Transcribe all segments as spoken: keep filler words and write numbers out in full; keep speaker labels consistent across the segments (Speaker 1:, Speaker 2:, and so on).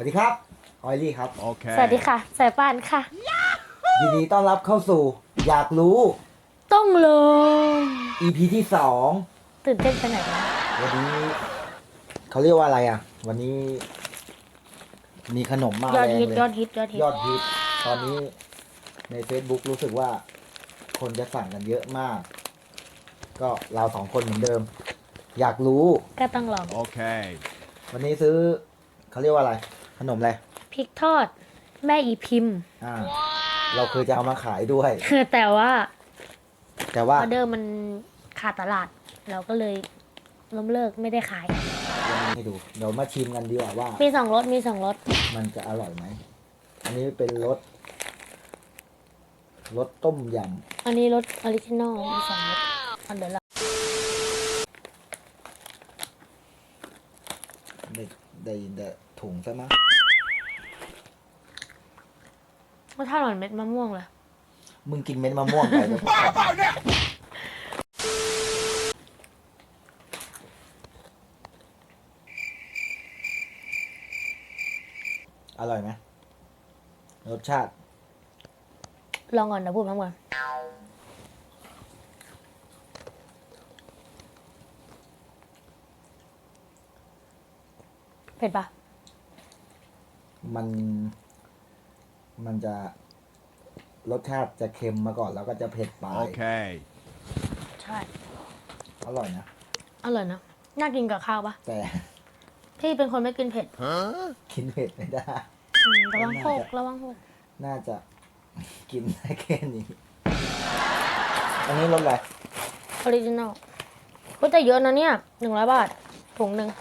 Speaker 1: ดีครับออยลี่ครับ
Speaker 2: โอเค
Speaker 3: สวัสดีค่ะสายป่านค่ะ
Speaker 1: ยินดีต้อนรับเข้าสู่ อยากรู้
Speaker 3: ต้องลง
Speaker 1: อี พี ที่สอง
Speaker 3: ตื่นเต้นไปไหนวะ
Speaker 1: วันนี้เขาเรียกว่าอะไรอ่ะ วันนี้ มีขนมมาแรงเลย
Speaker 3: ยอดฮิตยอดฮิต
Speaker 1: ยอดฮิต ตอนนี้ใน Facebook รู้สึกว่า คนจะสั่งกันเยอะมาก ก็เราสองคนเหมือนเดิม อยากรู้
Speaker 3: ก็ต้องลอง
Speaker 2: โอเค
Speaker 1: วันนี้ซื้อเขาเรียกว่าอะไร ขนมอะไร
Speaker 3: พริกทอด แม่อีพิมพ์
Speaker 1: อ่า เราเคยจะเอามาขายด้วย
Speaker 3: แต่ว่า
Speaker 1: แต่
Speaker 3: อ
Speaker 1: ว่า
Speaker 3: อเดอร์มันขาดตลาด เราก็เลยล้มเลิกไม่ได้ขาย
Speaker 1: ยังไม่ให้ดู เดี๋ยวมาชิมกันดีกว่าว่า
Speaker 3: มีสองรสมีสองรส
Speaker 1: มันจะอร่อยไหม อันนี้เป็นรสรสต้มย
Speaker 3: อันนี้รสออริจินอลมีสองรสอันเดี๋ยวเรา
Speaker 1: ำได้ได้ยินแต่ถุงซะมั้ง
Speaker 3: รสชาติเหมือนเม็ดมะม่วงเลย
Speaker 1: มึงกินเม็ดมะม่วงไปแล้วอร่อยไหมรสชาติ
Speaker 3: ลองก่อนเดี๋ยวพูดพร้อมกันเผ็ดปะ
Speaker 1: มัน มันจะรสชาติจะเค็มมาก่อนแล้วก็จะเผ็ดปลา
Speaker 2: โอย เค
Speaker 3: ใช่
Speaker 1: อร่อยนะ
Speaker 3: อร่อยนะน่ากินกับข้าวปะ
Speaker 1: แต่
Speaker 3: พี่เป็นคนไม่กินเผ็ด
Speaker 2: ฮะ
Speaker 1: กินเผ็ดไม่ได้
Speaker 3: อืมระวังโคกระวังโคก
Speaker 1: น่าจะกินได้แค่นี้ อันนี้รสอะไร
Speaker 3: ออริจินอลก็จะเยอะนะเนี่ยหนึ่งร้อยบาทถุงหนึ่ง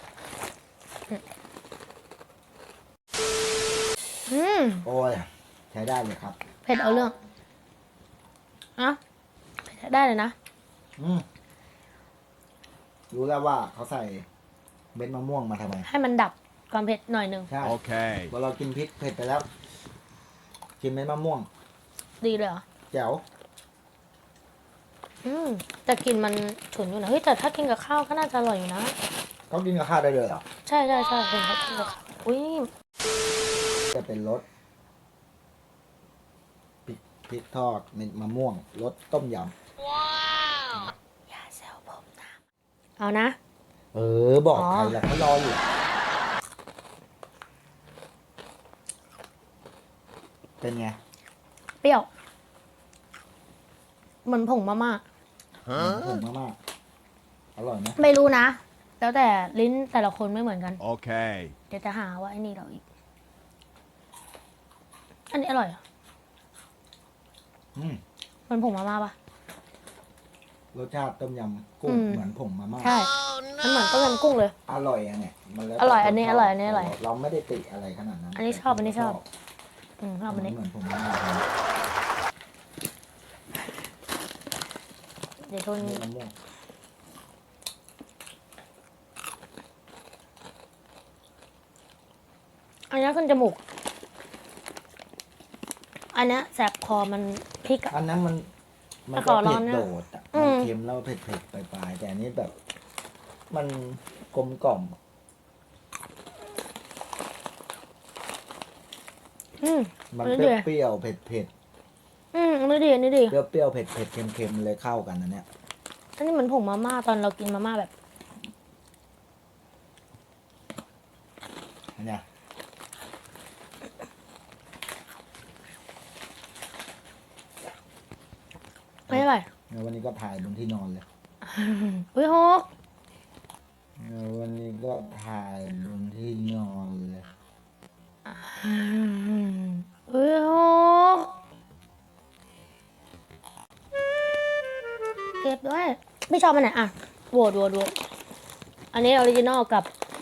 Speaker 3: อืม
Speaker 1: โอ้ย ใช้ได้เลยครับ
Speaker 3: เผ็ดเอาเรื่องอะเผ็ดได้เลยนะ
Speaker 1: อืมรู้แล้วว่าเขาใส่เม็ดมะม่วงมาทำไม
Speaker 3: ให้มันดับความเผ็ดหน่อยหนึ่ง
Speaker 1: ใช่
Speaker 2: โอเค
Speaker 1: พอเรากินพริกเผ็ดไปแล้ว กินเม็ดมะม่วง
Speaker 3: ดีเลยเหรอ
Speaker 1: แจ๋ว
Speaker 3: อืมแต่กลินมันฉุนอยู่นะเฮ้ยแต่ถ้ากินกับข้าวก็น่าจะอร่อยอยู่นะ
Speaker 1: เขากินกับข้าวได้เลยเหรอ
Speaker 3: ใช่ใช่ใช่เป็นเขากินกับข้าวอุ้ย
Speaker 1: จะเป็นรสพริกพริกทอดเม็ดมะม่วงรสต้มย
Speaker 3: อย่าแซวผมนะเอานะ
Speaker 1: ำเออ บอก
Speaker 3: อ๋อ
Speaker 1: ใครล่ะเขารออยู่ เป็นไง
Speaker 3: เปรี้ยวเหมือนผงมาม่า
Speaker 2: ฮะ
Speaker 1: ผงมากๆอร่อยไหม
Speaker 3: ไม่รู้นะ แล้วแต่ลิ้นแต่ละคนไม่เหมือนกัน
Speaker 2: โอเค
Speaker 3: เดี๋ยวจะหาว่าไอ้นี่เราอีก อันนี้อร่อยเหรอ
Speaker 1: อืม
Speaker 3: เหมันผงมาม่าปะ
Speaker 1: รสชาติต้มยำกุ้ง
Speaker 3: อืม
Speaker 1: เหมือนผงมาม่า
Speaker 3: ใช่ มันเหมือนต้มยำกุ้งเลย
Speaker 1: อร่อยอะเนี่ยมันแล้วแต่
Speaker 3: อร่อย
Speaker 1: ค
Speaker 3: อันนี้
Speaker 1: ชบ
Speaker 3: อร่อยอันนี้อร่อย
Speaker 1: เราไม่ได้ติอะไรขนาดนั้น
Speaker 3: อันนี้ชอบอันนี้ชอบ อืมชอบอันนี้
Speaker 1: เหมือนผงมาม่า
Speaker 3: เดี๋ยวทน
Speaker 1: เม็ดมะม่วง
Speaker 3: อันนี้ขึ้นจมูก อันนี้แสบคอมันพริกอะ
Speaker 1: อันนั้นมันมัน
Speaker 3: ข
Speaker 1: ก็
Speaker 3: อร้อ
Speaker 1: เผ็
Speaker 3: น
Speaker 1: ด
Speaker 3: นะ
Speaker 1: โดดอะ
Speaker 3: อื
Speaker 1: มัน
Speaker 3: ม
Speaker 1: เค็มแล้วเผ็ดเผ็ดปลายๆแต่อันนี้แบบ มันกลมกล่อม
Speaker 3: อืม
Speaker 1: มัน
Speaker 3: อัน
Speaker 1: เป
Speaker 3: นี้ดี
Speaker 1: รี้ยวๆเผ็ดเผ็ด
Speaker 3: อืมอันนี้ดีอันนี้ดี
Speaker 1: เปรี้ยวเปรี้ยวๆเผ็ดเผ็ดเค็มเค็มเลยเข้ากันนะเนี่ย
Speaker 3: อันนี้เหมือนผงมาม่าตอนเรากินมาม่าแบบ
Speaker 1: อันเนี้ย
Speaker 3: ไม่อร่อย
Speaker 1: แล้ววันนี้ก็ถ่ายบนที่นอนเลย
Speaker 3: อุ้ยโฮก
Speaker 1: แล้ววันนี้ก็ถ่ายบนที่นอนเลย
Speaker 3: อุ้ยโฮกเก็บด้วย ไม่ชอบอันไหนอ่ะโหวตโหวตโหวตอันนี้ออริจินอลกับ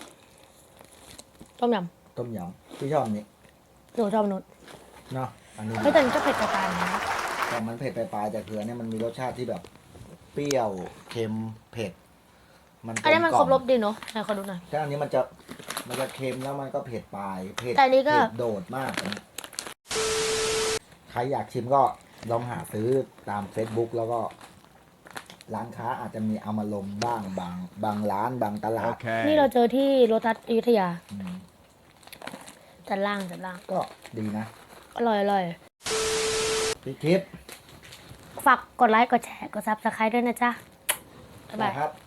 Speaker 3: ต้มย
Speaker 1: ต้มยำที่ชอบอันนี้
Speaker 3: ำหนูชอบมนุษย์
Speaker 1: เนาะอันนี้
Speaker 3: เฮ้ยแต่มันก็เผ็ดกระตายนะ
Speaker 1: แต่มันเผ็ดปลายๆแต่คืออันเนี้ยมันมีรสชาติที่แบบ เปรี้ยวเค็มเผ็ด มัน
Speaker 3: อันนี้มัน
Speaker 1: กล
Speaker 3: คร
Speaker 1: ม
Speaker 3: บ
Speaker 1: กล่
Speaker 3: ร
Speaker 1: อ
Speaker 3: สดีเนาะไหนขอดูหน่อย
Speaker 1: แต่อันนี้มันจะมันจะเค็มแล้วมันก็เผ็ดปลายเผ็ด
Speaker 3: แต่อันนี้ก็
Speaker 1: เผ็ดโดดมากอันนี้ใครอยากชิมก็ลองหาซื้อตาม Facebook แล้วก็ ร้านค้าอาจจะมีเอามาลงบ้างบางบางร้านบางตลา
Speaker 2: โอ
Speaker 1: ด
Speaker 2: เค
Speaker 3: นี่เราเจอที่โลตัสอยุธยา
Speaker 1: อืม
Speaker 3: แต่สันล่างสันล่าง
Speaker 1: ก็ดีนะ
Speaker 3: อร่อยอร่อย
Speaker 1: พี่คลิป
Speaker 3: ฝากกดไลค์ กดแชร์ กดซับสไครต์ด้วยนะจ๊ะ บ๊ายบาย
Speaker 1: ครับ